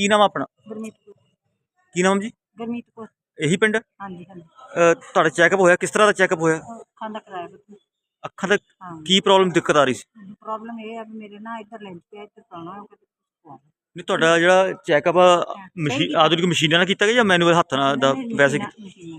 ਕੀ ਨਾਮ ਆ ਆਪਣਾ? ਗੁਰਮੀਤ ਕੌਰ। ਕੀ ਨਾਮ ਜੀ? ਗੁਰਮੀਤ ਕੌਰ। ਇਹੀ ਪਿੰਡ? ਹਾਂਜੀ ਹਾਂਜੀ। ਤੁਹਾਡਾ ਚੈੱਕਅਪ ਹੋਇਆ, ਕਿਸ ਤਰ੍ਹਾਂ ਦਾ ਚੈੱਕਅਪ ਹੋਇਆ? ਅੱਖਾਂ ਦਾ ਕਰਾਇਆ ਬੱਚੇ। ਅੱਖਾਂ ਦਾ ਹਾਂ ਕੀ ਪ੍ਰੋਬਲਮ ਦਿੱਕਤ ਆ ਰਹੀ ਸੀ? ਪ੍ਰੋਬਲਮ ਇਹ ਆ ਵੀ ਮੇਰੇ ਨਾ ਇੱਧਰ ਲੈਂਸ ਪਿਆ, ਇੱਧਰ ਪਾਉਣਾ ਨਹੀਂ, ਤੁਹਾਡਾ ਜਿਹੜਾ ਚੈੱਕਅਪ ਸਹੀ ਕੀਤਾ। ਆਧੁਨਿਕ ਮਸ਼ੀਨਾਂ ਨਾਲ ਕੀਤਾ ਗਿਆ ਜਾਂ ਮੈਨੂਅਲ ਹੱਥ ਨਾਲ ਦਾ ਵੈਸੇ ਮਸ਼ੀਨਾਂ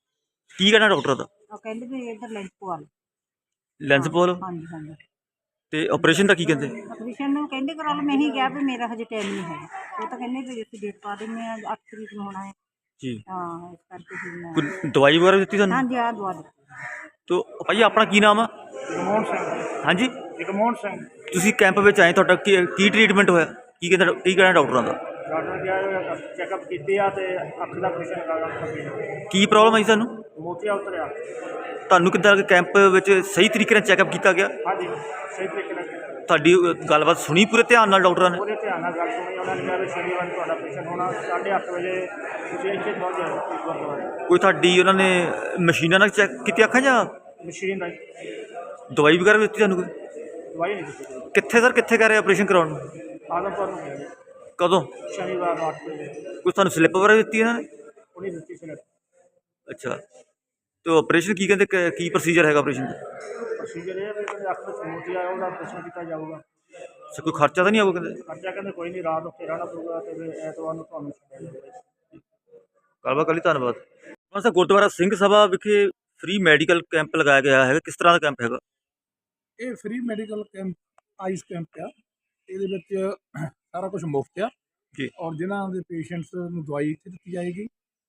ਕੀ ਕਹਿਣਾ ਡਾਕਟਰ ਦਾ? ਉਹ ਕਹਿੰਦੇ ਵੀ ਇੱਧਰ ਲੈਂਸ ਪਵਾ ਲਓ। ਲੈਂਸ ਪਵਾ ਲਓ ਹਾਂਜੀ ਹਾਂਜੀ। ਤੇ ਆਪਰੇਸ਼ਨ ਦਾ ਕੀ ਕਹਿੰਦੇ? ਆਪਰੇਸ਼ਨ ਨੂੰ ਕਹਿੰਦੇ ਕਰਾ ਲਓ। ਮੈਂ ਹੀ ਕਿਹਾ ਵੀ ਮੇਰਾ ਹਜੇ ਟਾਈਮ ਨਹੀਂ ਹੈਗਾ। ਉਹ ਤਾਂ ਕਹਿੰਦੇ ਵੀ ਅਸੀਂ ਡੇਟ ਪਾ ਦਿੰਦੇ ਹਾਂ, 8 ਤਰੀਕ ਨੂੰ ਹੋਣਾ ਹੈ ਜੀ। ਹਾਂ, ਇਸ ਕਰਕੇ ਫਿਰ ਮੈਂ ਕੋਈ ਦਵਾਈ ਵਗੈਰਾ ਦਿੱਤੀ ਤੁਹਾਨੂੰ? ਹਾਂਜੀ ਆਹ ਦਵਾ ਦਿੱਤੀ। ਤੋ ਭਾਈ ਆਪਣਾ ਕੀ ਨਾਮ ਆ? ਜਗਮੋਹਨ ਸਿੰਘ। ਹਾਂਜੀ, ਜਗਮੋਹਨ ਸਿੰਘ। ਤੁਸੀਂ ਕੈਂਪ ਵਿੱਚ ਆਏ, ਤੁਹਾਡਾ ਕੀ ਟਰੀਟਮੈਂਟ ਹੋਇਆ? ਕੀ ਕਹਿੰਦਾ, ਕੀ ਕਹਿਣਾ ਡਾਕਟਰਾਂ ਦਾ? ਡਾਕਟਰ ਗਿਆ ਚੈੱਕਅਪ ਕੀਤੀ ਆ ਤੇ ਅੱਖ ਦਾ ਆਪਰੇਸ਼ਨ ਕਰਾਇਆ। ਕੀ ਪ੍ਰੋਬਲਮ ਆਈ ਸਾਨੂੰ? ਮੋਤੀਆ ਉਤਰਿਆ। ਤੁਹਾਨੂੰ ਕਿੱਦਾਂ ਕੈਂਪ ਵਿੱਚ ਸਹੀ ਤਰੀਕੇ ਨਾਲ ਚੈੱਕਅਪ ਕੀਤਾ ਗਿਆ? ਹਾਂਜੀ, ਸਹੀ ਤਰੀਕੇ ਨਾਲ ਕੀਤਾ। ਤੁਹਾਡੀ ਗੱਲਬਾਤ ਸੁਣੀ ਪੂਰੇ ਧਿਆਨ ਨਾਲ ਡਾਕਟਰਾਂ ਨੇ? ਪੂਰੇ ਧਿਆਨ ਨਾਲ ਗੱਲ ਸੁਣੀ। ਉਹਨਾਂ ਨੇ ਕਿਹਾ ਵੀ ਸ਼ਨੀਵਾਰ ਨੂੰ ਤੁਹਾਡਾ ਆਪਰੇਸ਼ਨ ਹੋਣਾ, 8:30 ਵਜੇ ਤੁਸੀਂ ਇੱਥੇ ਪਹੁੰਚ ਜਾਓ ਗੁਰਦੁਆਰੇ। ਕੋਈ ਤੁਹਾਡੀ ਉਹਨਾਂ ਨੇ ਮਸ਼ੀਨਾਂ ਨਾਲ ਚੈੱਕ ਕੀਤੀ ਅੱਖਾਂ ਜਾਂ ਮਸ਼ੀਨ ਨਾਲ ਦਵਾਈ ਵਗੈਰਾ ਵੀ ਦਿੱਤੀ ਤੁਹਾਨੂੰ ਕੋਈ? ਦਵਾਈ ਨਹੀਂ ਦਿੱਤੀ ਕੋਈ। ਕਿੱਥੇ ਸਰ, ਕਿੱਥੇ ਕਰ ਰਹੇ ਆਪਰੇਸ਼ਨ ਕਰਾਉਣ ਨੂੰ? ਆਦਮਪੁਰ ਨੂੰ ਗਏ ਕਦੋਂ? ਸ਼ਨੀਵਾਰ ਨੂੰ 8 ਵਜੇ। ਕੋਈ ਤੁਹਾਨੂੰ ਸਲਿੱਪ ਵਗੈਰਾ ਦਿੱਤੀ ਇਹਨਾਂ ਨੇ? ਉਹਨੇ ਦਿੱਤੀ ਸੀ। ਅੱਛਾ, ਤੇ ਆਪਰੇਸ਼ਨ ਕੀ ਕਹਿੰਦੇ, ਕੀ ਪ੍ਰੋਸੀਜਰ ਹੈਗਾ ਆਪਰੇਸ਼ਨ ਦਾ? ਪ੍ਰੋਸੀਜਰ ਇਹ ਵੀ ਅੱਖ ਵਿੱਚ ਮੋਤੀਆ ਉਹਦਾ ਆਪਰੇਸ਼ਨ ਕੀਤਾ ਜਾਊਗਾ। ਅੱਛਾ, ਕੋਈ ਖਰਚਾ ਤਾਂ ਨਹੀਂ ਆਊਗਾ ਕਹਿੰਦੇ? ਖਰਚਾ ਕਹਿੰਦੇ ਕੋਈ ਨਹੀਂ, ਰਾਤ ਉੱਥੇ ਰਹਿਣਾ ਪਊਗਾ ਤੇ ਫਿਰ ਐਤਵਾਰ ਨੂੰ ਤੁਹਾਨੂੰ ਛੱਡਿਆ ਜਾਊਗਾ। ਗੱਲਬਾਤ ਕਰ ਲਈ, ਧੰਨਵਾਦ। ਸਰ, ਗੁਰਦੁਆਰਾ ਸਿੰਘ ਸਭਾ ਵਿਖੇ ਫ੍ਰੀ ਮੈਡੀਕਲ ਕੈਂਪ ਲਗਾਇਆ ਗਿਆ ਹੈਗਾ, ਕਿਸ ਤਰ੍ਹਾਂ ਦਾ ਕੈਂਪ ਹੈਗਾ? ਇਹ free medical camp, eye camp ਆ। ਇਹਦੇ ਵਿੱਚ ਸਾਰਾ ਕੁਝ ਮੁਫਤ ਆ ਜੀ। ਔਰ ਜਿਨ੍ਹਾਂ ਦੇ ਪੇਸ਼ੈਂਟਸ ਨੂੰ ਦਵਾਈ ਇੱਥੇ ਦਿੱਤੀ ਜਾਏਗੀ।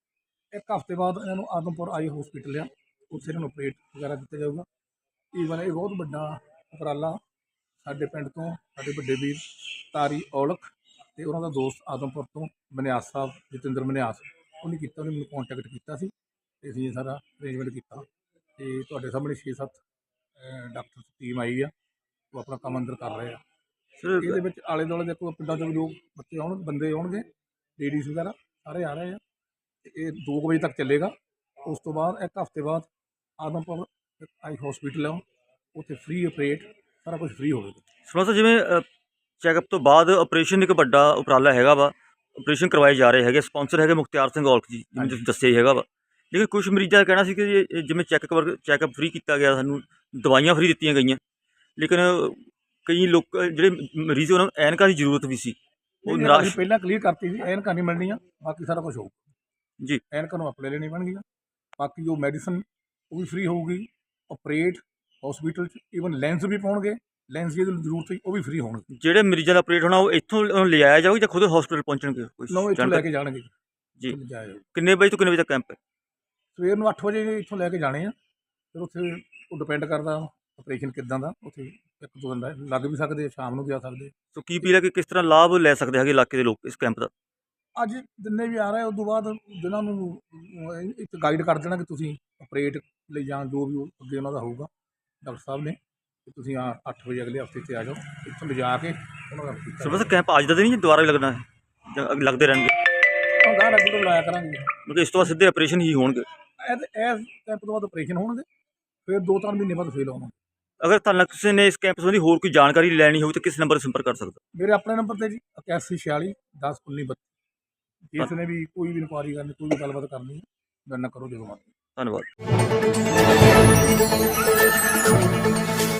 1 ਹਫ਼ਤੇ ਬਾਅਦ ਇਹਨਾਂ ਨੂੰ ਆਦਮਪੁਰ ਆਈ ਹਸਪੀਟਲ ਆ, ਉੱਥੇ ਇਹਨਾਂ ਨੂੰ ਆਪਰੇਟ ਵਗੈਰਾ ਕੀਤਾ ਜਾਊਗਾ। ਈਵਨ ਇਹ ਬਹੁਤ ਵੱਡਾ ਉਪਰਾਲਾ ਸਾਡੇ ਪਿੰਡ ਤੋਂ ਸਾਡੇ ਵੱਡੇ ਵੀਰ ਤਾਰੀ ਔਲਖ ਅਤੇ ਉਹਨਾਂ ਦਾ ਦੋਸਤ ਆਦਮਪੁਰ ਤੋਂ ਮਨਿਆਸ ਸਾਹਿਬ, ਜਤਿੰਦਰ ਮਨਿਆਸ, ਉਹਨੇ ਕੀਤਾ। ਉਹਨੇ ਮੈਨੂੰ ਕੰਟੈਕਟ ਕੀਤਾ ਸੀ ਅਤੇ ਅਸੀਂ ਇਹ ਸਾਰਾ ਅਰੇਂਜਮੈਂਟ ਕੀਤਾ। ਅਤੇ ਤੁਹਾਡੇ ਸਾਹਮਣੇ 6-7 ਡਾਕਟਰ ਟੀਮ ਆਈ ਆ, ਉਹ ਆਪਣਾ ਕੰਮ ਅੰਦਰ ਕਰ ਰਹੇ ਆ। ਸਰ, ਇਹਦੇ ਵਿੱਚ ਆਲੇ ਦੁਆਲੇ ਦੇ ਕੋਈ ਪਿੰਡਾਂ 'ਚੋਂ ਵੀ ਲੋਕ ਬੱਚੇ ਬੰਦੇ ਆਉਣਗੇ, ਲੇਡੀਜ਼ ਵਗੈਰਾ ਸਾਰੇ ਆ ਰਹੇ ਆ। ਅਤੇ ਇਹ 2 ਵਜੇ ਤੱਕ ਚੱਲੇਗਾ। ਉਸ ਤੋਂ ਬਾਅਦ 1 ਹਫ਼ਤੇ ਬਾਅਦ ਆਦਮਪੁਰ ਆਈ ਹਸਪੀਟਲ ਆ, ਉੱਥੇ ਫ੍ਰੀ ਆਪਰੇਟ ਸਾਰਾ ਕੁਝ ਫ੍ਰੀ ਹੋਵੇਗਾ। ਸੁਣੋ ਸਰ, ਜਿਵੇਂ ਚੈੱਕਅਪ ਤੋਂ ਬਾਅਦ ਆਪਰੇਸ਼ਨ ਇੱਕ ਵੱਡਾ ਉਪਰਾਲਾ ਹੈਗਾ ਵਾ, ਆਪਰੇਸ਼ਨ ਕਰਵਾਏ ਜਾ ਰਹੇ ਹੈਗੇ, ਸਪਾਂਸਰ ਹੈਗੇ ਮੁਖਤਿਆਰ ਸਿੰਘ ਔਲਖ ਜੀ, ਜਿਵੇਂ ਤੁਸੀਂ ਦੱਸਿਆ ਹੀ ਹੈਗਾ ਵਾ। ਲੇਕਿਨ ਕੁਝ ਮਰੀਜ਼ਾਂ ਦਾ ਕਹਿਣਾ ਸੀ ਕਿ ਜਿਵੇਂ ਚੈੱਕਅਪ ਫ੍ਰੀ ਕੀਤਾ ਗਿਆ, ਸਾਨੂੰ ਦਵਾਈਆਂ ਫ੍ਰੀ ਦਿੱਤੀਆਂ ਗਈਆਂ, ਲੇਕਿਨ ਕਈ ਲੋਕ ਜਿਹੜੇ ਮਰੀਜ਼ ਉਹਨਾਂ ਨੂੰ ਐਨਕਾਂ ਦੀ ਜ਼ਰੂਰਤ ਵੀ ਸੀ, ਉਹ ਨਿਰਾਸ਼। ਪਹਿਲਾਂ ਕਲੀਅਰ ਕਰਤੀ ਸੀ, ਐਨਕਾਂ ਨਹੀਂ ਮਿਲਣੀਆਂ, ਬਾਕੀ ਸਾਰਾ ਕੁਝ ਹੋਊਗਾ ਜੀ। ਐਨਕਾਂ ਨੂੰ ਆਪਣੇ ਲੈਣੀ ਪੈਣਗੀਆਂ, ਬਾਕੀ ਜੋ ਮੈਡੀਸਨ ਉਹ ਵੀ ਫ੍ਰੀ ਹੋਊਗੀ। ਆਪਰੇਟ ਹਸਪੀਟਲ 'ਚ ਈਵਨ ਲੈਂਸ ਵੀ ਪਾਉਣਗੇ, ਲੈਂਸ ਦੀ ਜ਼ਰੂਰਤ ਹੋਈ ਉਹ ਵੀ ਫ੍ਰੀ ਹੋਣਗੇ। ਜਿਹੜੇ ਮਰੀਜ਼ਾਂ ਦਾ ਆਪਰੇਟ ਹੋਣਾ ਉਹ ਇੱਥੋਂ ਲਿਆਇਆ ਜਾਊਗਾ ਜਾਂ ਖੁਦ ਹਸਪੀਟਲ ਪਹੁੰਚਣਗੇ? ਲਓ, ਇੱਥੋਂ ਲੈ ਕੇ ਜਾਣਗੇ ਜੀ। ਜਾਇਆ ਜਾਊਗਾ। ਕਿੰਨੇ ਵਜੇ ਤੋਂ ਕਿੰਨੇ ਵਜੇ ਤੱਕ ਕੈਂਪ ਹੈ? ਸਵੇਰ ਨੂੰ 8 ਵਜੇ ਇੱਥੋਂ ਲੈ ਕੇ ਜਾਣੇ ਆ। ਫਿਰ ਉੱਥੇ ਉਹ ਡਿਪੈਂਡ ਕਰਦਾ ਆਪਰੇਸ਼ਨ ਕਿੱਦਾਂ ਦਾ, ਉੱਥੇ 1-2 ਦਿਨ ਲੱਗ ਵੀ ਸਕਦੇ, ਸ਼ਾਮ ਨੂੰ ਵੀ ਆ ਸਕਦੇ। ਸੋ ਕੀ ਅਪੀਲ ਹੈ ਕਿ ਕਿਸ ਤਰ੍ਹਾਂ ਲਾਭ ਲੈ ਸਕਦੇ ਹੈਗੇ ਇਲਾਕੇ ਦੇ ਲੋਕ ਇਸ ਕੈਂਪ ਦਾ? ਅੱਜ ਜਿੰਨੇ ਵੀ ਆ ਰਹੇ ਉਸ ਤੋਂ ਬਾਅਦ ਜਿਨ੍ਹਾਂ ਨੂੰ ਇੱਕ ਗਾਈਡ ਕਰ ਦੇਣਾ ਕਿ ਤੁਸੀਂ ਆਪਰੇਟ ਲਈ ਜਾਂ ਜੋ ਵੀ ਅੱਗੇ ਉਹਨਾਂ ਦਾ ਹੋਊਗਾ ਡਾਕਟਰ ਸਾਹਿਬ ਨੇ, ਕਿ ਤੁਸੀਂ 8 ਵਜੇ ਅਗਲੇ ਹਫ਼ਤੇ 'ਤੇ ਆ ਜਾਓ, ਇੱਥੋਂ ਲਿਜਾ ਕੇ ਉਹਨਾਂ ਦਾ ਕੀਤਾ। ਸੋ ਬਸ ਕੈਂਪ ਅੱਜ ਦਾ ਤਾਂ ਨਹੀਂ, ਦੁਬਾਰਾ ਵੀ ਲੱਗਣਾ ਹੈ ਜਾਂ ਲੱਗਦੇ ਰਹਿਣਗੇ? ਗਾਹ ਅੱਗੇ ਤੋਂ ਲਾਇਆ ਕਰਾਂਗੇ, ਕਿਉਂਕਿ ਇਸ ਤੋਂ ਬਾਅਦ ਸਿੱਧੇ ਆਪਰੇਸ਼ਨ ਹੀ ਹੋਣਗੇ। ਇਸ ਕੈਂਪ ਤੋਂ ਬਾਅਦ ਆਪਰੇਸ਼ਨ ਹੋਣਗੇ, ਫਿਰ 2-3 ਮਹੀਨੇ ਬਾਅਦ ਫੇਲ ਆਉਣਾ। ਅਗਰ ਤੁਹਾਨੂੰ ਕਿਸੇ ਨੇ ਇਸ ਕੈਂਪ ਸੰਬੰਧੀ ਹੋਰ ਕੋਈ ਜਾਣਕਾਰੀ ਲੈਣੀ ਹੋਵੇ ਤਾਂ ਕਿਸ ਨੰਬਰ 'ਤੇ ਸੰਪਰਕ ਕਰ ਸਕਦਾ? ਮੇਰੇ ਆਪਣੇ ਨੰਬਰ 'ਤੇ ਜੀ 8146 10 19 32। ਜਿਸ ਨੇ ਵੀ ਕੋਈ ਵੀ ਇਨਕੁਆਇਰੀ ਕਰਨੀ, ਕੋਈ ਵੀ ਗੱਲਬਾਤ ਕਰਨੀ, ਮੇਰੇ ਨਾਲ ਕਰੋ ਜਦੋਂ ਮਰਜ਼ੀ। ਧੰਨਵਾਦ।